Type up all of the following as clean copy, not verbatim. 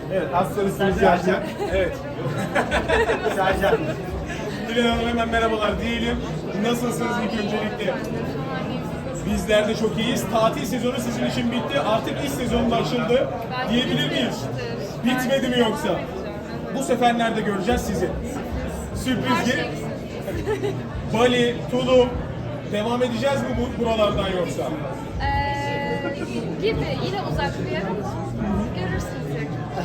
Evet, az sonra Sercan. Evet. Sercan. Dilan Hanım hemen merhabalar diyelim. Nasılsınız ilk öncelikle? Bizler de çok iyiyiz. Tatil sezonu sizin için bitti. Artık iş sezonu da açıldı. Diyebilir miyiz? Bitmedi mi yoksa? Bu sefer nerede göreceğiz sizi? Sürpriz gibi. Bali, Tulum. Devam edeceğiz mi bu buralardan yoksa? Gibi yine uzak bir yer ama görürsünüz.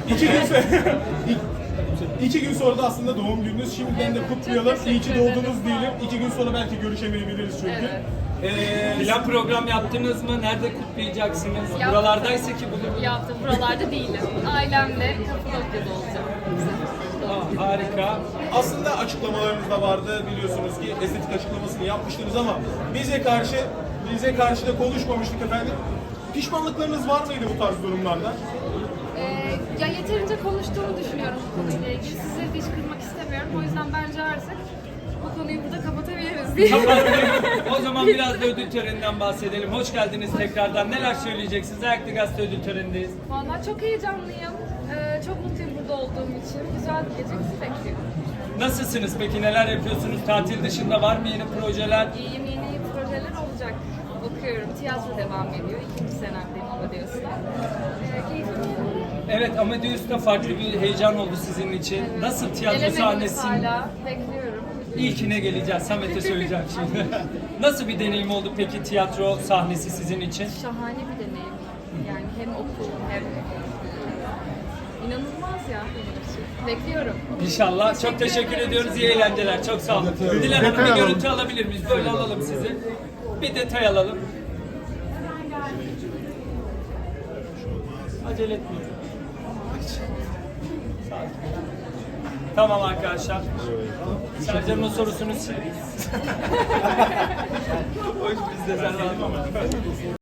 2 gün sonra da aslında doğum gününüz. Şimdiden de kutlayalım. İyi ki doğdunuz diyelim. 2 gün sonra belki görüşemeyebiliriz çünkü. Plan program yaptınız mı? Nerede kutlayacaksınız? Yaptım. Buralardaysa ki bugün. Yaptım. Buralarda değilim. Ailemle Kapadokya'da olacağım. Harika. Aslında açıklamalarınız da vardı, biliyorsunuz ki estetik açıklamasını yapmıştınız ama bize karşı da konuşmamıştık efendim. Pişmanlıklarınız var mıydı bu tarz durumlarda? Ya yeterince konuştuğumu düşünüyorum bu konuyla ilgili. Sizleri de hiç kırmak istemiyorum. O yüzden bence artık bu konuyu burada kapatabiliriz diye. O zaman biraz da ödül töreninden bahsedelim. Hoş geldiniz tekrardan. Neler söyleyeceksiniz? Ayaklı Gazete ödül törenindeyiz. Vallahi çok heyecanlıyım. Çok mutluyum burada olduğum için. Güzel bir gece bizi bekliyor. Nasılsınız peki? Neler yapıyorsunuz? Tatil dışında var mı yeni projeler? İyiyim, yeni projeler olacak. Okuyorum. Tiyatro devam ediyor. 2. senemdeyim Amadeus'ta. Keyifli. Evet, Amadeus'ta farklı bir heyecan oldu sizin için. Nasıl tiyatro Gelemediniz sahnesi? hala. Bekliyorum. İlkine geleceğiz. Samet'e söyleyeceğim şimdi. Nasıl bir deneyim oldu peki tiyatro sahnesi sizin için? Şahane bir deneyim. Yani hem okul hem inanılmaz ya benim için. Bekliyorum. İnşallah. Çok teşekkür ediyoruz. İyi eğlenceler. Çok sağ olun. Dilan Hanım bir görüntü alabilir miyiz? Böyle alalım sizi. Bir detay alalım. Acele etmeyin. Sakin. Tamam arkadaşlar. Sercan'ın sorusunu siz. O iş bizde, sen rahat ol.